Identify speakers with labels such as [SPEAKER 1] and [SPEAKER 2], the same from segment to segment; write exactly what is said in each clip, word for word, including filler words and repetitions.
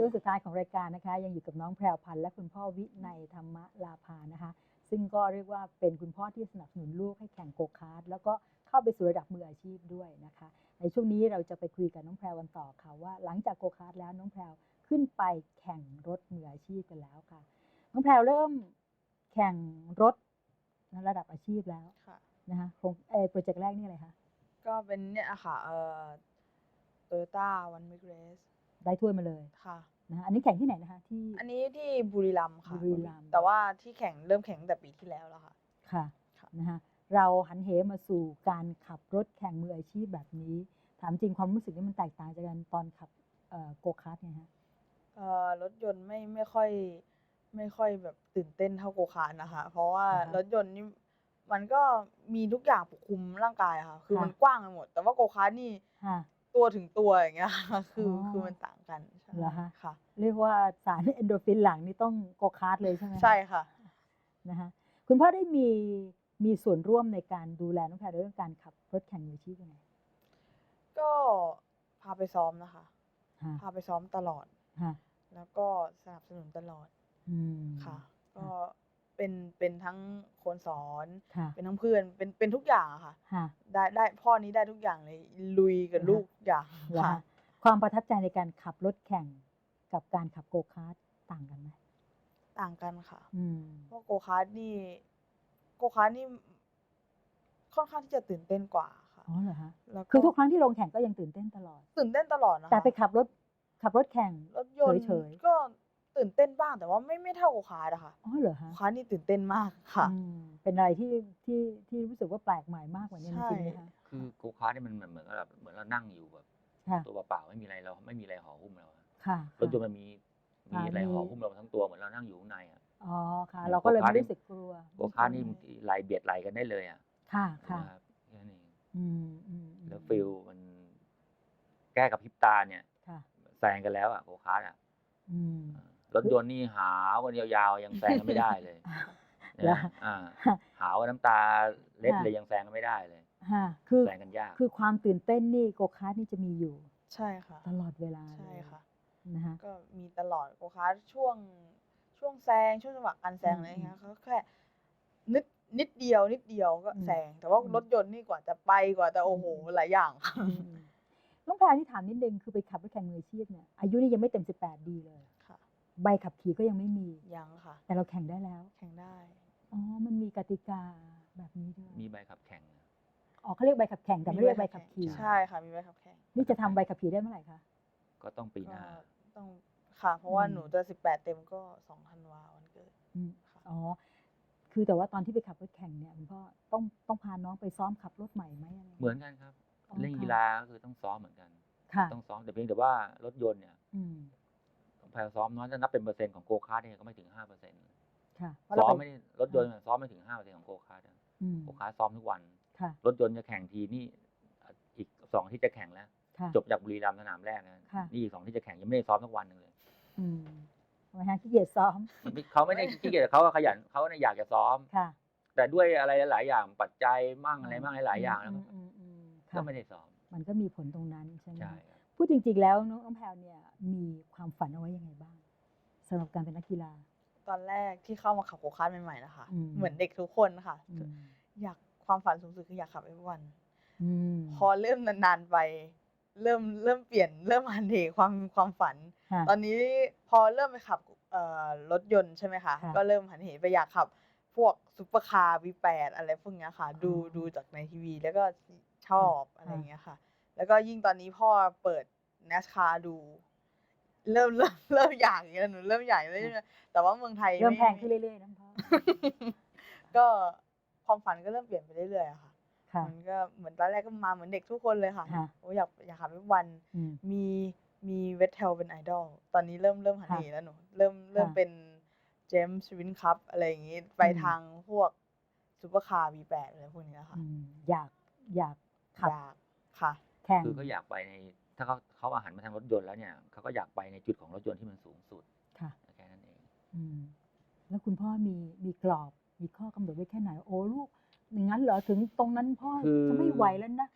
[SPEAKER 1] ช่วงสุดท้ายของรายการนะคะยังอยู่กับน้องแพรวพันธ์และคุณพ่อวินัยธรรมลาภานะคะซึ่งก็เรียกว่าเป็นคุณพ่อที่สนับสนุนลูกให้แข่งโกคาร์ทแล้วก็เข้าไปสู่ระดับมืออาชีพด้วยนะคะในช่วงนี้เราจะไปคุยกับน้องแพรวกันต่อค่ะว่าหลังจากโกคาร์ทแล้วน้องแพรวขึ้นไปแข่งรถมืออาชีพกันแล้วค่ะน้องแพรวเริ่มแข่งรถระดับอาชีพแล้วนะคะโครงเอโปรเจกต์แรกนี่อะไรคะ
[SPEAKER 2] ก็เป็นเนี่ยค่ะเอ่อ Toyota One Week Race
[SPEAKER 1] ได้ถ้วยมาเลย
[SPEAKER 2] ค่ะ
[SPEAKER 1] นะคะอันนี้แข่งที่ไหนนะคะที่
[SPEAKER 2] อันนี้ที่บุรีรัมย์ค่ะ
[SPEAKER 1] บุรีรัมย์
[SPEAKER 2] แต่ว่าที่แข่งเริ่มแข่งตั้งแต่ปีที่แล้วแล้วค่ะ
[SPEAKER 1] ค่ะนะคะเราหันเหมาสู่การขับรถแข่งมืออาชีพแบบนี้ถามจริงความรู้สึกนี่มันแตกต่างจากกันตอนขับโกคาร์ทไงฮะ
[SPEAKER 2] เอ่อรถยนต์ไม่ไม่ค่อยไม่ค่อยแบบตื่นเต้นเท่าโกคาร์ทนะคะเพราะว่ารถยนต์นี่มันก็มีทุกอย่างปกคลุมร่างกายค่ะคือมันกว้างไปหมดแต่ว่าโกคาร์ทนี่ตัวถึงตัวอย่างเงี้ยคือคือมันต่างกัน
[SPEAKER 1] เหรอคะ
[SPEAKER 2] ค่ะ
[SPEAKER 1] เรียกว่าสารเอนโดรฟินหลังนี่ต้องโกคาร์ทเลยใช่ไหม
[SPEAKER 2] ใช่ค่ะ
[SPEAKER 1] นะคะคุณพ่อได้มีมีส่วนร่วมในการดูแลน้องแพรเรื่องการขับรถแข่งมืออาชีพยังไง
[SPEAKER 2] ก็พาไปซ้อมนะคะพาไปซ้อมตลอดแล้วก็สนับสนุนตลอดค่ะก็เป็นเป็นทั้งคนสอนเป็นทั้งเพื่อนเป็นเป็นทุกอย่างค่ะได้ได้พ่อนี้ได้ทุกอย่างเลยลุยกับลูกอย่างค่ะ
[SPEAKER 1] ความประทับใจในการขับรถแข่งกับการขับโกคาร์ทต่างกันไหม
[SPEAKER 2] ต่างกันค่ะเพราะโกคาร์ทนี่โกคาร์ทนี่ค่อนข้างที่จะตื่นเต้นกว่าค่ะ
[SPEAKER 1] อ๋อเหรอฮะคือทุกครั้งที่ลงแข่งก็ยังตื่นเต้นตลอด
[SPEAKER 2] ตื่นเต้นตลอดนะ
[SPEAKER 1] แต่ไปขับรถขับรถแข่ง
[SPEAKER 2] รถยนต์ก็ตื่นเต้นบ้างแต่ว่าไม่ไม่เท่าโกคาร์ทอะค่ะ
[SPEAKER 1] อ๋อเหรอฮะ
[SPEAKER 2] โกคาร์ทนี่ตื่นเต้นมากค่ะ
[SPEAKER 1] เป็นอะไรที่ที่ที่รู้สึกว่าแปลกใหม่มากกว่านี้จริงๆนะคะ
[SPEAKER 3] คือโกคาร์ทนี่มันเหมือนเหมือนแบบเหมือนเรานั่งอยู่แบบตัวเปล่าไม่มีอะไรเราไม่มีอะไรห่อหุ้มเรารถยนต์มันมีมีอะไรห่อหุ้มเราทั้งตัวเหมือนเรานั่งอยู่ข้างในอ่ะ
[SPEAKER 1] อ๋อค่ะเราก็เลยไม่รู้สึกกลัว
[SPEAKER 3] โกคาร์ทนี่ไหลเบียดไหลกันได้เลยอ่ะ
[SPEAKER 1] ค่ะค่ะ
[SPEAKER 3] แค่นี้แล้วฟิลมันแก้กับพริบตาเนี่ยแซงกันแล้วอ่ะโกคาร์ทอ่ะรถยนต์นี่หาวกันยาวๆยังแซงกันไม่ได้เลยนะหาวน้ำตาเล็ดเลยยังแซงกันไม่ได้เลย
[SPEAKER 1] คือ
[SPEAKER 3] แซงกันยาก
[SPEAKER 1] คือความตื่นเต้นนี่โกคาร์ทนี่จะมีอยู่
[SPEAKER 2] ใช่ค่ะ
[SPEAKER 1] ตลอดเวลา
[SPEAKER 2] ใช่ค่ะ
[SPEAKER 1] นะคะ
[SPEAKER 2] ก็มีตลอดโกคาร์ทช่วงช่วงแซงช่วงจังหวะการแซงอะไรเงี้ยเขาแค่นิดนิดเดียวนิดเดียวก็แซงแต่ว่ารถยนต์นี่กว่าจะไปกว่าจะโอ้โหหลายอย่าง
[SPEAKER 1] น้องแพรที่ถามนิดนึงคือไปขับรถแข่งมืออาชีพเนี่ยอายุนี่ยังไม่เต็มสิบแปดดีเลย
[SPEAKER 2] ค่ะ
[SPEAKER 1] ใบขับขี่ก็ยังไม่มี
[SPEAKER 2] ยังค่ะ
[SPEAKER 1] แต่เราแข่งได้แล้ว
[SPEAKER 2] แข่งได้
[SPEAKER 1] อ๋อมันมีกติกาแบบนี้ด้วย
[SPEAKER 3] มีใบขับแข่ง
[SPEAKER 1] อ๋อเขาเรียกใบขับแข่งแต่ไม่เรียกใบขับขี่
[SPEAKER 2] ใช่ค่ะมีใบขับแข่ง
[SPEAKER 1] นี่จะทำใบขับขี่ได้เมื่อไหร่คะ
[SPEAKER 3] ก็ต้องปีหน้า
[SPEAKER 2] ต้องค่ะเพราะว่าหนูจะสิบแปดเต็มก็สองธันวาวันเกิด
[SPEAKER 1] อ๋อคือแต่ว่าตอนที่ไปขับรถแข่งเนี่ยคุณพ่อต้องต้องพาน้องไปซ้อมขับรถใหม่ไหมอะไร
[SPEAKER 3] เหมือนกันครับเล่นกีฬาก็คือต้องซ้อมเหมือนกันต้องซ้อมแต่เพียงแต่ว่ารถยนต์เนี่ยต้องพาซ้อมน้อยจะนับเป็นเปอร์เซ็นต์ของโกคาร์ทเนี่ยก็ไม่ถึงห้าเปอร์เซ็นต์ซ้อมไม่รถยนต์ซ้อมไม่ถึงห้าเปอร์เซ็นต์ของโกคาร์ทโกคาร์ทซ้อมทุกวันรถยนต์จะแข่งทีนี่อีกสองที่จะแข่งแล้วจบจากบุรีรัมย์สนามแรกนะนี่อีกสองที่จะแข่งยังไม่ได้ซ้อมทุกวันนึงเลย
[SPEAKER 1] ทำไมฮะขี้เกียจซ้อม
[SPEAKER 3] เขาไม่ได้ขี้เกียจเขาขยันเขาเนี่ยอยากจะซ้อมแต่ด้วยอะไรหลายอย่างปัจจัยมั่งอะไรมั่งหลายอย่างแล้วก็ไม่ได้ซ้อม
[SPEAKER 1] มันก็มีผลตรงนั้นใช่ไหมพูดจริงๆแล้วน้องแพรเนี่ยมีความฝันเอาไว้ยังไงบ้างสำหรับการเป็นนักกีฬา
[SPEAKER 2] ตอนแรกที่เข้ามาขับโกคาร์ทใหม่ๆนะคะเหมือนเด็กทุกคนค่ะอยากความฝันสูงสุดคืออยากขับเอฟวันพอเริ่มนานๆไปเริ่มเริ่มเปลี่ยนเริ่มหันเหความความฝันตอนนี้พอเริ่มไปขับรถยนต์ใช่ไหมคะก็เริ่มหันเหไปอยากขับพวกซุปเปอร์คาร์ วี แปด อะไรพวกนี้ค่ะดูดูจากในทีวีแล้วก็ชอบอะไรอย่างเงี้ยค่ะแล้วก็ยิ่งตอนนี้พ่อเปิด NASCAR ดูเริ่มเริ่มเริ่มอยากอย่างเงี้ยหนูเริ่มอยากเลยแต่ว่าเมืองไทย
[SPEAKER 1] เริ่มแพงขึ้นเรื่อยๆนะพ่อ
[SPEAKER 2] ก็ความฝันก็เริ่มเปลี่ยนไปเรื่อยๆค่ะมันก็เหมือนตอนแรกก็มาเหมือนเด็กทุกคนเลยค่ะโอ้อยากอยากขับทุกวันมีมีเวทเทลเป็นไอดอลตอนนี้เริ่มเริ่มหันเหแล้วหนูเริ่มเริ่มเป็นเจมส์วินคัพอะไรอย่างงี้ไปทางพวกซุปเปอร์คาร์ วี แปด อะไรพวกนี้ค่ะ
[SPEAKER 1] อยากอยากขับ
[SPEAKER 2] อยากค่ะ
[SPEAKER 3] คือเขาอยากไปในถ้าเขาเขาอาหารมาทางรถยนต์แล้วเนี่ยเขาก็อยากไปในจุดของรถยนต์ที่มันสูงสุดแค่นั้นเอง
[SPEAKER 1] แล้วคุณพ่อมีมีกรอบมีข้อกำหนดไว้แค่ไหนโอ้ลูกอย่างนั้นเหรอถึงตรงนั้นพ่อจะไม่ไหวแล้วนะ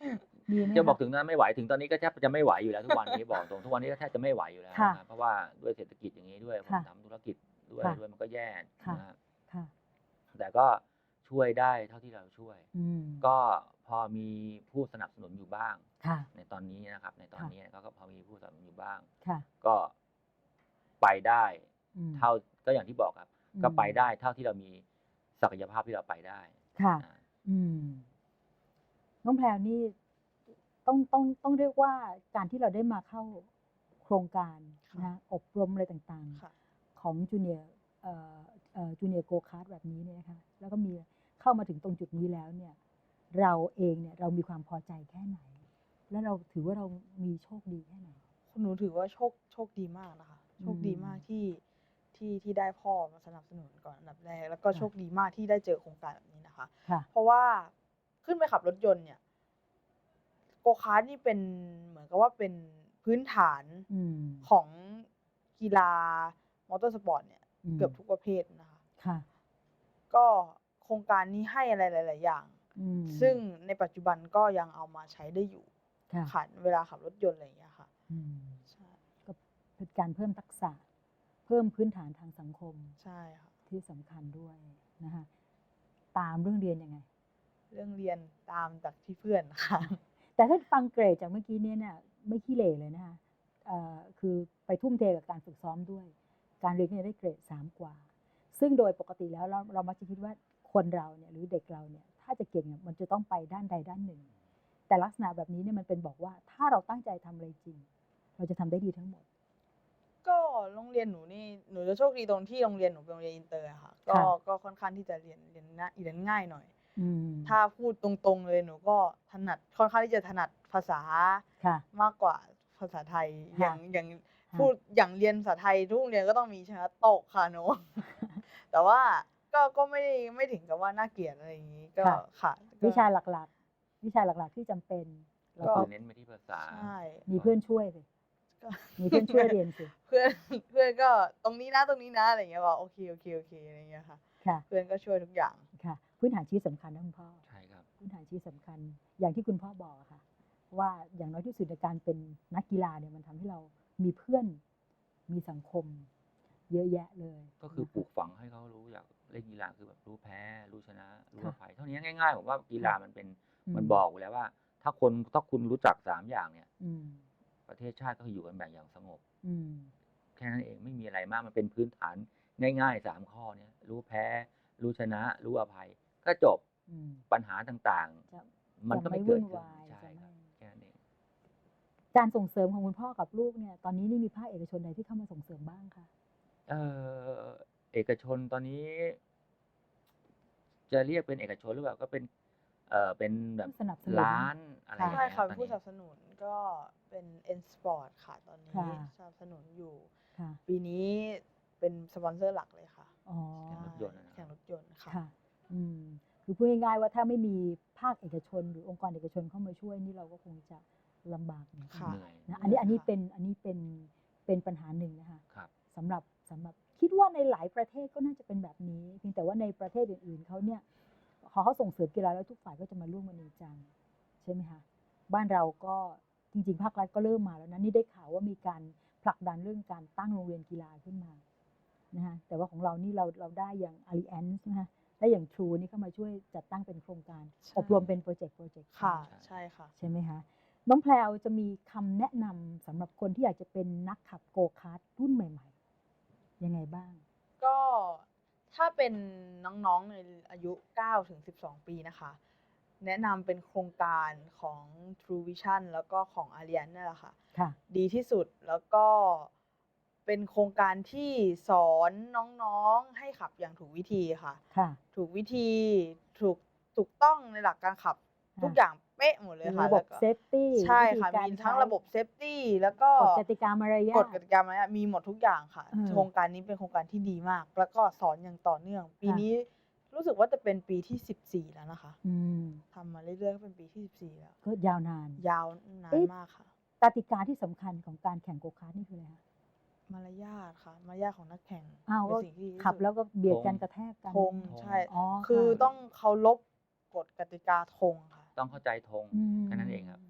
[SPEAKER 1] มีไหม
[SPEAKER 3] จะบอก
[SPEAKER 1] คะ
[SPEAKER 3] ถึงนั้นไม่ไหวถึงตอนนี้ก็แทบจะไม่ไหวอยู่แล้วทุกวันนี้ บอกตรงทุกวันนี้ก็แทบจะไม่ไหวอยู่แล้ว
[SPEAKER 1] ค่ะ
[SPEAKER 3] นะครับเพราะว่าด้วยเศรษฐกิจอย่างนี้ด้วยผม
[SPEAKER 1] ค่ะ
[SPEAKER 3] ทำธุรกิจด้วย
[SPEAKER 1] ค่ะ
[SPEAKER 3] ด้วยมันก็แย่
[SPEAKER 1] ค่ะ
[SPEAKER 3] นะฮะ
[SPEAKER 1] ค่ะ
[SPEAKER 3] แต่ก็ช่วยได้เท่าที่เราช่วย
[SPEAKER 1] อืม
[SPEAKER 3] ก็พอมีผู้สนับสนุนอยู่บ้าง
[SPEAKER 1] ค่ะ
[SPEAKER 3] ในตอนนี้นะครับ ในตอน
[SPEAKER 1] ค่ะ
[SPEAKER 3] นี้ก็ก็พอมีผู้สนับสนุนอยู่บ้าง
[SPEAKER 1] ค่ะ
[SPEAKER 3] ก็ไปได้
[SPEAKER 1] อืม
[SPEAKER 3] เท่าก็อย่างที่บอกครับ
[SPEAKER 1] อืม
[SPEAKER 3] ก็ไปได้เท่าที่เรามีศักยภาพที่เราไปได้
[SPEAKER 1] ค่ะ
[SPEAKER 3] อ่า
[SPEAKER 1] อืม น้องแพรวนี่ต้องต้องต้องเรียกว่าการที่เราได้มาเข้าโครงการ
[SPEAKER 2] ค่ะ
[SPEAKER 1] นะอบรมอะไรต่าง
[SPEAKER 2] ค่ะ
[SPEAKER 1] ๆ ของจูเนียร์เอ่อเอ่อจูเนียร์โกคาร์ดแบบนี้เนี่ยนะคะ แล้วก็มีเข้ามาถึงตรงจุดนี้แล้วเนี่ย เราเองเนี่ยเรามีความพอใจแค่ไหน และเราถือว่าเรามีโชคดีแค่ไหน
[SPEAKER 2] หนูถือว่าโชคโชคดีมากนะคะ โชคดีมากที่ที่ที่ได้พ่อมาสนับสนุนก่อนอันดับแรก แล้วก็
[SPEAKER 1] ค่ะ
[SPEAKER 2] โชคดีมากที่ได้เจอโครงการแบบนี้นะคะ
[SPEAKER 1] ค่ะ
[SPEAKER 2] เพราะว่าขึ้นไปขับรถยนต์เนี่ยโกคาร์ทนี่เป็นเหมือนกับว่าเป็นพื้นฐาน
[SPEAKER 1] อืม
[SPEAKER 2] ของกีฬามอเตอร์สปอร์ตเนี่ย
[SPEAKER 1] อืม
[SPEAKER 2] เกือบทุกประเภทนะคะ
[SPEAKER 1] ค่ะ
[SPEAKER 2] ก็โครงการนี้ให้อะไรหลาย ๆ อย่าง
[SPEAKER 1] อืม
[SPEAKER 2] ซึ่งในปัจจุบันก็ยังเอามาใช้ได้อยู่
[SPEAKER 1] ค่ะ
[SPEAKER 2] ค่ะเวลาขับรถยนต์อะไรอย่างเงี้ยค่ะ
[SPEAKER 1] อืม
[SPEAKER 2] ใช่
[SPEAKER 1] ก็เป็นการเพิ่มทักษะ เพิ่มพื้นฐานทางสังคม
[SPEAKER 2] ใช่ค่ะ
[SPEAKER 1] ที่สำคัญด้วยนะคะตามเรื่องเรียนยังไง
[SPEAKER 2] เรื่องเรียนตามจากที่เพื่อนค่ะ
[SPEAKER 1] แต่ถ้าฟังเกรดจากเมื่อกี้เนี่ยเนี่ยไม่ขี้เหร่เลยนะคะเอ่อคือไปทุ่มเทกับการฝึกซ้อมด้วย การเรียนเนี่ยได้เกรดสามกว่า ซึ่งโดยปกติแล้วเราเรามักจะคิดว่าคนเราเนี่ยหรือเด็กเราเนี่ยถ้าจะเก่งเนี่ยมันจะต้องไปด้านใดด้านหนึ่ง แต่ลักษณะแบบนี้เนี่ยมันเป็นบอกว่าถ้าเราตั้งใจทำอะไรจริง เราจะทำได้ดีทั้งหมด
[SPEAKER 2] ก็โรงเรียนหนูนี่หนูจะโชคดีตรงที่โรงเรียนหนูเป็นโรงเรียนอินเตอร์อะค่ะ ก็
[SPEAKER 1] ค่ะ
[SPEAKER 2] ก็ค่อนข้างที่จะเรียนเรียนง่ายเรียนง่ายหน่อย
[SPEAKER 1] อืม
[SPEAKER 2] ถ้าพูดตรงๆเลยหนูก็ถนัดค่อนข้างที่จะถนัดภาษา
[SPEAKER 1] ค่ะ
[SPEAKER 2] มากกว่าภาษาไทย
[SPEAKER 1] ค่ะ
[SPEAKER 2] อย่างอย่าง
[SPEAKER 1] ค่ะ
[SPEAKER 2] พูดอย่างเรียนภาษาไทยทุกโรงเรียนก็ต้องมีชนะตกค่ะหนู แต่ว่าก็ก็ไม่ไม่ถึงกับว่าน่าเกลียดอะไรอย่างนี้ก็
[SPEAKER 1] ค่ะ
[SPEAKER 2] ค่ะก็
[SPEAKER 1] วิชาหลักๆ วิชาหลักๆที่จำเป็นเรา
[SPEAKER 3] ก็
[SPEAKER 1] ก็
[SPEAKER 3] คือเน้นไปที่ภาษา
[SPEAKER 2] ใช่
[SPEAKER 1] มีเพื่อนช่วยสิ
[SPEAKER 2] ก็
[SPEAKER 1] มีเพื่อนช่วยเรียนสิ
[SPEAKER 2] เพื่อนเพื่อนก็ตรงนี้นะตรงนี้นะอะไรอย่างเงี้ยบอกโอเคโอเคโอเคอะไรอย่างเงี้ยค่ะ
[SPEAKER 1] ค่ะ
[SPEAKER 2] เพื่อนก็ช่วยทุกอย่าง
[SPEAKER 1] ค่ะ พื้นฐานชีวิตสำคัญนะคุณพ่อ
[SPEAKER 3] ใช่ครับ
[SPEAKER 1] พื้นฐานชีวิตสำคัญ อย่างที่คุณพ่อบอกอะค่ะ ว่าอย่างน้อยที่สุดในการเป็นนักกีฬาเนี่ยมันทำให้เรามีเพื่อน มีสังคม เยอะแยะเลย
[SPEAKER 3] ก็คือ
[SPEAKER 1] นะะ
[SPEAKER 3] ปลูกฝังให้เขารู้อยากเล่นกีฬาคือแบบรู้แพ้ รู้ชนะ รู้
[SPEAKER 1] ค่ะ
[SPEAKER 3] อภัยเท่านี้ง่ายๆผมว่ากีฬามันเป็น
[SPEAKER 1] อืม
[SPEAKER 3] มันบอกอยู่แล้วว่า ถ้าคนถ้าคุณรู้จักสามอย่างเนี่ย
[SPEAKER 1] อืม
[SPEAKER 3] ประเทศชาติก็อยู่กันแบบอย่างสงบ
[SPEAKER 1] อืม
[SPEAKER 3] แค่นั้นเองไม่มีอะไรมากมันเป็นพื้นฐานง่ายๆสามข้อเนี้ยรู้แพ้ รู้ชนะ รู้อภัย ก็จบ
[SPEAKER 1] อืม
[SPEAKER 3] ปัญหาต่าง
[SPEAKER 1] จะ
[SPEAKER 3] ๆ มันก็
[SPEAKER 1] จะไม่
[SPEAKER 3] ไม่เกิด
[SPEAKER 1] วุ่น
[SPEAKER 3] ขึ้น
[SPEAKER 1] วาย
[SPEAKER 3] ใช่
[SPEAKER 1] จะ
[SPEAKER 3] ครับ
[SPEAKER 1] ไม่
[SPEAKER 3] แค่นั้นเอง
[SPEAKER 1] การส่งเสริมของคุณพ่อกับลูกเนี่ย ตอนนี้นี่มีภาคเอกชนใดที่เข้ามาส่งเสริมบ้างคะ
[SPEAKER 3] เอ่อเอกชนตอนนี้ จะเรียกเป็นเอกชนหรือเปล่าก็เป็น เอ่อเป็นแบบ
[SPEAKER 1] ผู้สนับสนุน
[SPEAKER 3] ร้านอะไรอย่าง
[SPEAKER 2] ใช่
[SPEAKER 3] เงี้ย
[SPEAKER 2] ค่ะ
[SPEAKER 3] ต
[SPEAKER 2] เป็
[SPEAKER 3] อน
[SPEAKER 2] นผู้
[SPEAKER 3] นี้
[SPEAKER 2] สนับสนุนก็เป็น N Sport ค่ะตอนนี้
[SPEAKER 1] ค่ะ
[SPEAKER 2] สนับสนุนอยู่
[SPEAKER 1] ค่ะ
[SPEAKER 2] ปีนี้เป็นสปอนเซอร์หลักเลยค่ะ
[SPEAKER 1] อ๋อ
[SPEAKER 3] แข่งรถยนต์อะนะ
[SPEAKER 2] แข่งรถยนต์ค่ะ
[SPEAKER 1] ค่ะ อืม คือพูดง่ายๆว่าถ้าไม่มีภาคเอกชน หรือองค์กรเอกชนเข้ามาช่วยนี่เราก็คงจะลำบากเหมือนกัน
[SPEAKER 2] ค่ะ
[SPEAKER 3] เหนื่อย
[SPEAKER 1] นะอันนี้อันนี้
[SPEAKER 2] ค่ะ
[SPEAKER 1] เป็นอันนี้เป็นเป็นปัญหาหนึ่งนะคะ
[SPEAKER 3] ครับ
[SPEAKER 1] สำหรับสำหรับคิดว่าในหลายประเทศก็น่าจะเป็นแบบนี้เพียงแต่ว่าในประเทศอื่นๆเขาเนี่ยพอเขาส่งเสริมกีฬาแล้วทุกฝ่ายก็จะมาร่วมกันจริงจังใช่ไหมคะบ้านเราก็จริงๆภาครัฐก็เริ่มมาแล้วนะนี่ได้ข่าวว่ามีการผลักดันเรื่องการตั้งโรงเรียนกีฬาขึ้นมานะคะแต่ว่าของเรานี่เราเราได้อย่าง Alliance นะคะได้อย่าง True นี่เข้ามาช่วยจัดตั้งเป็นโครงการ
[SPEAKER 2] ใช่
[SPEAKER 1] อบรมเป็นโปรเจกต์โปรเจกต์
[SPEAKER 2] ค่ะ ใช่ค่ะ
[SPEAKER 1] ใช่ไหมคะน้องแพรวจะมีคำแนะนำสำหรับคนที่อยากจะเป็นนักขับโกคาร์ทรุ่นใหม่ๆยังไงบ้าง
[SPEAKER 2] ก็ถ้าเป็นน้องๆในอายุเก้าถึงสิบสองปีนะคะ แนะนำเป็นโครงการของ True Vision แล้วก็ของ Alliance นั่นแหละค่ะ
[SPEAKER 1] ค่ะ
[SPEAKER 2] ดีที่สุดแล้วก็เป็นโครงการที่สอนน้องๆให้ขับอย่างถูกวิธีค่ะ
[SPEAKER 1] ค่ะ
[SPEAKER 2] ถูกวิธีถูกถูกต้องในหลักการขับ
[SPEAKER 1] ค่ะ
[SPEAKER 2] ทุกอย่างเป๊ะหมดเลยค่ะ
[SPEAKER 1] ระบบ
[SPEAKER 2] แล้วก็
[SPEAKER 1] เซฟตี้
[SPEAKER 2] ใช่ค่ะ
[SPEAKER 1] วิธีการ
[SPEAKER 2] มีทั้ง
[SPEAKER 1] ใช้
[SPEAKER 2] ระบบเซฟตี้แล้วก็
[SPEAKER 1] กฎกติกามารยาท
[SPEAKER 2] กฎกติกามารยาทมีหมดทุกอย่างค่ะ
[SPEAKER 1] เออ
[SPEAKER 2] โครงการนี้เป็นโครงการที่ดีมาก แล้วก็สอนอย่างต่อเนื่อง ปี
[SPEAKER 1] ค่ะ
[SPEAKER 2] นี้รู้สึกว่าจะเป็นปีที่สิบสี่แล้วนะคะ
[SPEAKER 1] อืม
[SPEAKER 2] ทำมาเรื่อยๆก็เป็นปีที่สิบสี่แล้ว
[SPEAKER 1] ก็ยาวนาน
[SPEAKER 2] ยาวนาน
[SPEAKER 1] เอ๊ะ
[SPEAKER 2] มากค่ะ
[SPEAKER 1] กติกาที่สำคัญของการแข่งโกคาร์ทนี่คืออะไรคะ
[SPEAKER 2] มารยาทค่ะ มารยาทของนักแข่ง
[SPEAKER 1] อ้าว
[SPEAKER 2] เป็
[SPEAKER 1] ก็
[SPEAKER 2] นสิ่งที่ดีที่
[SPEAKER 1] ขับ
[SPEAKER 2] สุด
[SPEAKER 1] แล้วก็เบียดกัน
[SPEAKER 3] ธง
[SPEAKER 1] กระแทกกัน
[SPEAKER 2] ธงใช่
[SPEAKER 1] อ๋อ
[SPEAKER 2] คือ
[SPEAKER 1] ค่ะ
[SPEAKER 2] ต้องเคารพกฎกติกาธงค่ะ
[SPEAKER 3] ต้องเข้าใจธง
[SPEAKER 1] อืม
[SPEAKER 3] แค่นั้นเองครับแข่ง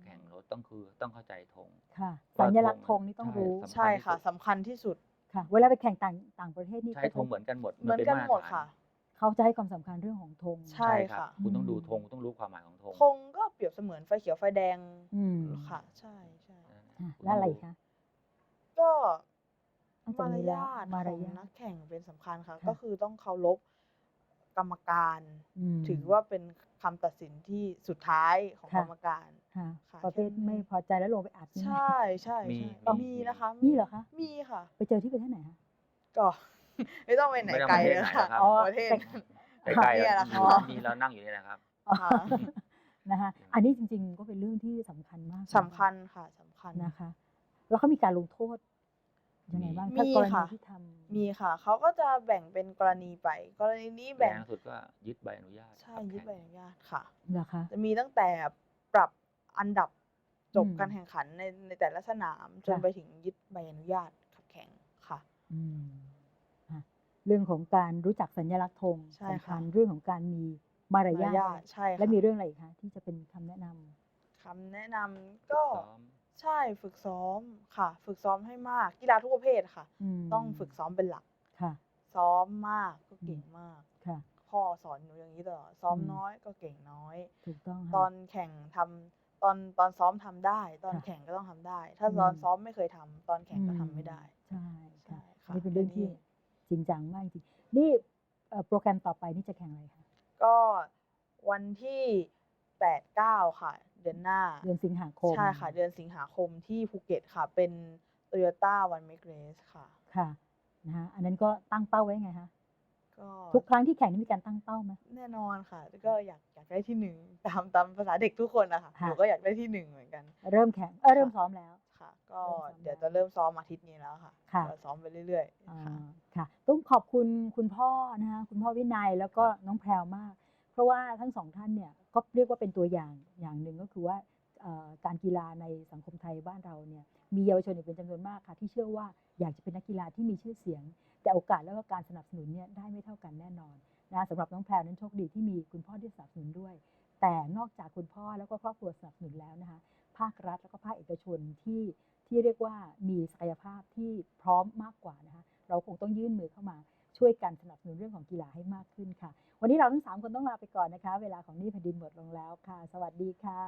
[SPEAKER 3] ต้องคือต้องเข้าใจธง
[SPEAKER 1] ค่ะ
[SPEAKER 3] ว่า
[SPEAKER 1] สัญลักษณ์
[SPEAKER 3] ธ
[SPEAKER 1] ธ
[SPEAKER 3] ง
[SPEAKER 1] งนี่ต้อง
[SPEAKER 3] ใช่
[SPEAKER 1] รู้
[SPEAKER 3] สำคัญ
[SPEAKER 2] ใช่
[SPEAKER 3] ที่
[SPEAKER 2] ค่ะ
[SPEAKER 3] สุด
[SPEAKER 2] สำคัญที่สุด
[SPEAKER 1] ค่ะ เวลาไปแข่งต่าง ต่างประเทศนี่
[SPEAKER 3] ใช้
[SPEAKER 1] ก็
[SPEAKER 3] ธงเหมือนกันหมด
[SPEAKER 2] เหมือน
[SPEAKER 3] ป็
[SPEAKER 2] กัน
[SPEAKER 3] มาตร
[SPEAKER 2] หมด
[SPEAKER 3] ฐาน
[SPEAKER 2] ค่ะ
[SPEAKER 1] เขาจะให้ความสำคัญเรื่องของธง
[SPEAKER 2] ใช่
[SPEAKER 3] ครับ
[SPEAKER 2] ค่ะ
[SPEAKER 3] คุณต้องดู
[SPEAKER 1] อืม
[SPEAKER 3] ธง ต้องรู้ความหมายของธง
[SPEAKER 2] ธงก็เปรียบเสมือนไฟเขียวไฟแดง
[SPEAKER 1] อืม
[SPEAKER 2] ค่ะ ใช่
[SPEAKER 3] เออ
[SPEAKER 1] ค่ะ
[SPEAKER 3] คุณ
[SPEAKER 1] แล้ว
[SPEAKER 3] ต้อ
[SPEAKER 1] อะ
[SPEAKER 3] ง
[SPEAKER 1] ไร
[SPEAKER 3] รู้
[SPEAKER 1] อีกคะ
[SPEAKER 2] ก็
[SPEAKER 1] นอกจาม
[SPEAKER 2] าก ร
[SPEAKER 1] นี้แล้
[SPEAKER 2] ยว าท
[SPEAKER 1] มาร
[SPEAKER 2] ของ
[SPEAKER 1] ยา
[SPEAKER 2] นั
[SPEAKER 1] ท
[SPEAKER 2] กแข่งเป็นสำคัญค่ะ
[SPEAKER 1] ค่ะ
[SPEAKER 2] ก็คือต้องเคารพกรรมการ
[SPEAKER 1] อืม
[SPEAKER 2] ถือว่าเป็นคำตัดสินที่สุดท้ายของ
[SPEAKER 1] ค่
[SPEAKER 2] กร
[SPEAKER 1] ะ
[SPEAKER 2] รมการ
[SPEAKER 1] ค่ะ
[SPEAKER 2] ค่ะ
[SPEAKER 1] ประ
[SPEAKER 2] แค
[SPEAKER 1] เภ
[SPEAKER 2] ่
[SPEAKER 1] ท
[SPEAKER 2] นั้น
[SPEAKER 1] ไม่
[SPEAKER 2] เอง
[SPEAKER 1] พอใจแล้วลงไปอัดนี่
[SPEAKER 2] ใช
[SPEAKER 1] ไหม?
[SPEAKER 2] ่
[SPEAKER 3] มี
[SPEAKER 2] ๆ ๆ
[SPEAKER 3] มี
[SPEAKER 2] มี
[SPEAKER 3] มี
[SPEAKER 2] นะคะ
[SPEAKER 1] มีเหรอคะ
[SPEAKER 2] มีค่ะ
[SPEAKER 1] ไปเจอที่ประเทศไหนคะ?
[SPEAKER 2] ก็ ไม่ต้องไปไหน
[SPEAKER 3] ไม่ต้อง
[SPEAKER 2] ไกล
[SPEAKER 3] ประเทศ
[SPEAKER 2] เลย
[SPEAKER 3] ไหน
[SPEAKER 2] ค่ะ
[SPEAKER 3] หรอกครับ
[SPEAKER 1] อ๋อ
[SPEAKER 2] ประเทศ
[SPEAKER 1] แต่
[SPEAKER 3] ใกล้ ๆ
[SPEAKER 2] เนี่
[SPEAKER 3] กั
[SPEAKER 2] ย
[SPEAKER 3] น
[SPEAKER 2] แหละ
[SPEAKER 3] อ
[SPEAKER 2] ค
[SPEAKER 3] ยู่
[SPEAKER 2] ่ะ
[SPEAKER 3] นี่เรานั่งอยู่นี่แหละครับ
[SPEAKER 1] ค่ะ นะคะ อันนี้จริง ๆ ก็เป็นเรื่องที่สำคัญมาก
[SPEAKER 2] สำคัญค่ะ สำคัญ
[SPEAKER 1] นะคะ แล้วเขามีการลงโทษยังไง
[SPEAKER 3] มี
[SPEAKER 1] บ้าง
[SPEAKER 2] ม
[SPEAKER 1] ถ้า
[SPEAKER 2] ี
[SPEAKER 1] กร
[SPEAKER 2] ค่
[SPEAKER 1] ณี
[SPEAKER 2] ะ
[SPEAKER 1] ที่ทำ
[SPEAKER 2] มีค่ะ เขาก็จะแบ่งเป็นกรณีไป กรณีนี้แ
[SPEAKER 3] แร
[SPEAKER 2] บ่ง
[SPEAKER 3] งสุดก็ยึดใบอนุญาต
[SPEAKER 2] ใช่
[SPEAKER 3] ขับ
[SPEAKER 2] ยึด
[SPEAKER 3] แข่ง
[SPEAKER 2] ใบอนุญาตค่ะ
[SPEAKER 1] เหรอคะ
[SPEAKER 2] จะมีตั้งแต่ปรับอันดับจบ
[SPEAKER 1] อืม
[SPEAKER 2] การแข่งขันใน ในแต่ละสนาม จน
[SPEAKER 1] ค่ะ
[SPEAKER 2] ไปถึงยึดใบอนุญาตขับแข่งค่ะ
[SPEAKER 1] อืม ค่ะ เรื่องของการรู้จักสัญลักษณ์ธง
[SPEAKER 2] ใช่
[SPEAKER 1] สำ
[SPEAKER 2] ค
[SPEAKER 1] คั
[SPEAKER 2] ่ะ
[SPEAKER 1] ญ เรื่องของการมีมาร
[SPEAKER 2] มาร
[SPEAKER 1] ยาท
[SPEAKER 2] ยาท ใช่
[SPEAKER 1] และ
[SPEAKER 2] ค่ะ
[SPEAKER 1] มีเรื่องอะไรอีกคะ ที่จะเป็นคำแนะนำ?
[SPEAKER 2] คำแนะนำ
[SPEAKER 3] ฝึ
[SPEAKER 2] ก็
[SPEAKER 3] กซ้อม
[SPEAKER 2] ใช่ ฝึกซ้อมค่ะ ฝึกซ้อมให้มาก กีฬาทุกประเภทค่ะ
[SPEAKER 1] อืม
[SPEAKER 2] ต้องฝึกซ้อมเป็นหลัก
[SPEAKER 1] ค่ะ
[SPEAKER 2] ซ้อมมากก็
[SPEAKER 1] อื
[SPEAKER 2] เก่ง
[SPEAKER 1] ม
[SPEAKER 2] มาก
[SPEAKER 1] ค่ะ
[SPEAKER 2] พ่อสอนหนูอย่างนี้ตลอด ซ้อม
[SPEAKER 1] อืม
[SPEAKER 2] น้อยก็เก่งน้อย
[SPEAKER 1] ถูกต้อง
[SPEAKER 2] ต
[SPEAKER 1] ค่
[SPEAKER 2] ตอะ นแข่งทำ ตอน ตอนซ้อมทำได้ ตอน
[SPEAKER 1] ค่ะ
[SPEAKER 2] แข่งก็ต้องทำได้ ถ้า
[SPEAKER 1] อืม
[SPEAKER 2] ตอนซ้อมไม่เคยทำ ตอนแข่งก็ทำ
[SPEAKER 1] อืม
[SPEAKER 2] ไม่ได้
[SPEAKER 1] ใช่
[SPEAKER 2] ใช่
[SPEAKER 1] ค่ะ
[SPEAKER 2] ค่ะ
[SPEAKER 1] นี่เป็นเรื่อง
[SPEAKER 2] อัน
[SPEAKER 1] ที่
[SPEAKER 2] นี้
[SPEAKER 1] จริงจังมากจริง ๆ นี่ เอ่อ โปรแกรมต่อไปนี่จะแข่งอะไรคะ?
[SPEAKER 2] ก็วันที่ แปดเก้า ค่ะ เดือนหน้า
[SPEAKER 1] เดือนสิงหาคม
[SPEAKER 2] ใช่ค่ะ เดือนสิงหาคมที่ภูเก็ตค่ะ เป็น Toyota One Make Race ค่ะ
[SPEAKER 1] ค่ะ นะคะ อันนั้นก็ตั้งเป้าไว้ยังไงคะ?
[SPEAKER 2] ก็
[SPEAKER 1] ทุกครั้งที่แข่งนี่มีการตั้งเป้าไหม?
[SPEAKER 2] แน่นอนค่ะ ก็อยาก อยากได้ที่ หนึ่ง ตาม ตามภาษาเด็กทุกคนอะค่ะ
[SPEAKER 1] ค่
[SPEAKER 2] หนู
[SPEAKER 1] ะ
[SPEAKER 2] ก็อยากได้ที่ หนึ่ง เหมือนกัน
[SPEAKER 1] เริ่มแข่ง เอ๊ย เริ่ม
[SPEAKER 2] ค่ะ
[SPEAKER 1] ซ้อมแล้ว
[SPEAKER 2] ค่ะ ก็
[SPEAKER 1] เริ่มซ้อม
[SPEAKER 2] เดี๋ยว
[SPEAKER 1] แล้
[SPEAKER 2] จะ
[SPEAKER 1] ว
[SPEAKER 2] เริ่มซ้อมอาทิตย์นี้แล้วค่ะ
[SPEAKER 1] ค่ะ
[SPEAKER 2] ก็ซ้อมไปเรื่อย
[SPEAKER 1] อ๋อ
[SPEAKER 2] ๆ ค่ะ
[SPEAKER 1] ค่ะ ต้องขอบคุณคุณพ่อนะคะ คุณพ่อวินัย แล้วก็
[SPEAKER 3] ครับ
[SPEAKER 1] น้องแพรวมาก เพราะว่าทั้ง สอง ท่านเนี่ย ก็เรียกว่าเป็นตัวอย่างอย่างหนึ่ง ก็คือว่า เอ่อ การกีฬาในสังคมไทยบ้านเราเนี่ย มีเยาวชนอีกเป็นจำนวนมากค่ะ ที่เชื่อว่าอยากจะเป็นนักกีฬาที่มีชื่อเสียง แต่โอกาสแล้วก็การสนับสนุนเนี่ยได้ไม่เท่ากันแน่นอนนะคะ สำหรับน้องแพรวนั้นโชคดีที่มีคุณพ่อที่สนับสนุนด้วย แต่นอกจากคุณพ่อแล้วก็ครอบครัวสนับสนุนแล้วนะคะ ภาครัฐแล้วก็ภาคเอกชนที่ ที่เรียกว่ามีศักยภาพที่พร้อมมากกว่านะคะ เราคงต้องยื่นมือเข้ามาช่วยกันสนับสนุนเรื่องของกีฬาให้มากขึ้นค่ะ วันนี้เราทั้ง สาม คนต้องลาไปก่อนนะคะ เวลาของนี่แผ่นดินหมดลงแล้วค่ะ สวัสดีค่ะ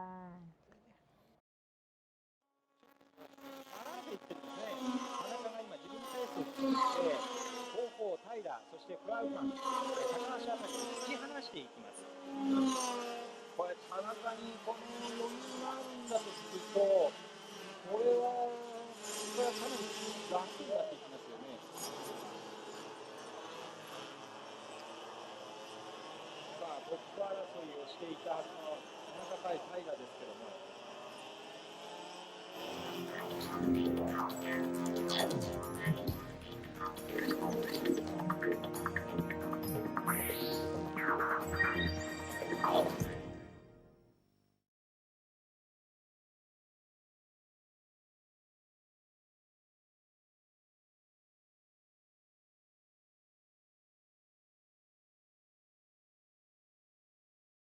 [SPEAKER 4] 離れていってるんですね。田中が今自分のペースを作って、後方、平、そしてクラウマン、高橋あたりを突き放していきます。これ、田中にこの余裕があるんだとすると、これは、これはかなり楽になっていきますよね。さあ、トップ争いをしていたはずの田中対平ですけども。